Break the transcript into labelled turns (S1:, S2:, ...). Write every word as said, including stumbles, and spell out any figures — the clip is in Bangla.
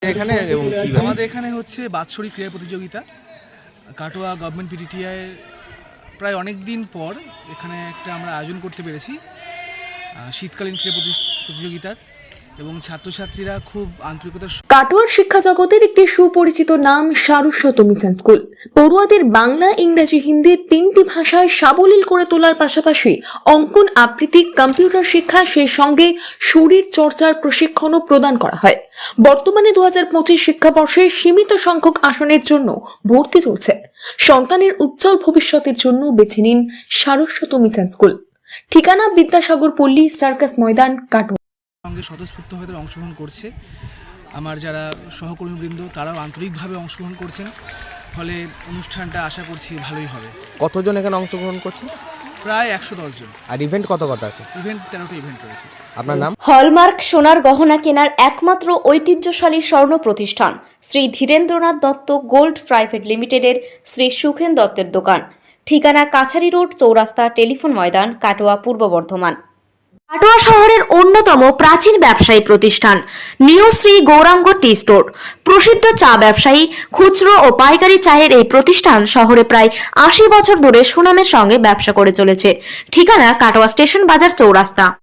S1: এখানে এবং কি
S2: আমাদের এখানে হচ্ছে বাৎসরিক ক্রীড়া প্রতিযোগিতা কাটোয়া গভর্নমেন্ট পিটিটিআই প্রায় অনেক দিন পর এখানে একটা আমরা আয়োজন করতে পেরেছি শীতকালীন ক্রীড়া প্রতিযোগিতার এবং ছাত্রছাত্রীরা খুব আন্তরিকতার।
S3: কাটোয়ার শিক্ষা জগতের একটি সুপরিচিত নাম সারস্বত মিশন স্কুল। পড়ুয়াদের বাংলা, ইংরেজি, হিন্দি তিনটি ভাষায় সাবলীল করে তোলার পাশাপাশি অঙ্কন, আবৃত্তি, কম্পিউটার শিক্ষা, সেই সঙ্গে শরীর চর্চার প্রশিক্ষণও প্রদান করা হয়। বর্তমানে দু হাজার পঁচিশ শিক্ষাবর্ষে সীমিত সংখ্যক আসনের জন্য ভর্তি চলছে। সন্তানের উজ্জ্বল ভবিষ্যতের জন্য বেছে নিন সারস্বত মিশন স্কুল। ঠিকানা বিদ্যাসাগর পল্লী, সার্কাস ময়দান, কাটোয়া।
S2: সঙ্গে স্বতঃস্ফূর্তভাবে অংশগ্রহণ করছে আমার যারা সহকর্মীবৃন্দ, তারাও আন্তরিকভাবে অংশগ্রহণ করছেন, ফলে অনুষ্ঠানটা আশা করছি ভালোই হবে।
S1: কতজন এখানে অংশগ্রহণ করছে?
S2: প্রায় একশো দশ জন।
S1: আর ইভেন্ট কত কত আছে?
S2: ইভেন্ট তেরোটা ইভেন্ট করেছে।
S1: আপনার নাম?
S4: হলমার্ক সোনার গহনা কেনার একমাত্র ঐতিহ্যশালী স্বর্ণ প্রতিষ্ঠান শ্রী ধীরেন্দ্রনাথ দত্ত গোল্ড প্রাইভেট লিমিটেডের শ্রী সুখেন দত্তের দোকান। ঠিকানা কাছারি রোড, চৌরাস্তা, টেলিফোন ময়দান, কাটোয়া, পূর্ব বর্ধমান। কাটোয়া শহরের অন্যতম প্রাচীন ব্যবসায়ী প্রতিষ্ঠান new Shri Gouranga tea store. প্রসিদ্ধ চা ব্যবসায়ী, খুচরো ও পাইকারি চায়ের এই প্রতিষ্ঠান শহরে প্রায় আশি বছর ধরে সুনামের সঙ্গে ব্যবসা করে চলেছে। ঠিকানা কাটোয়া স্টেশন বাজার, চৌরাস্তা।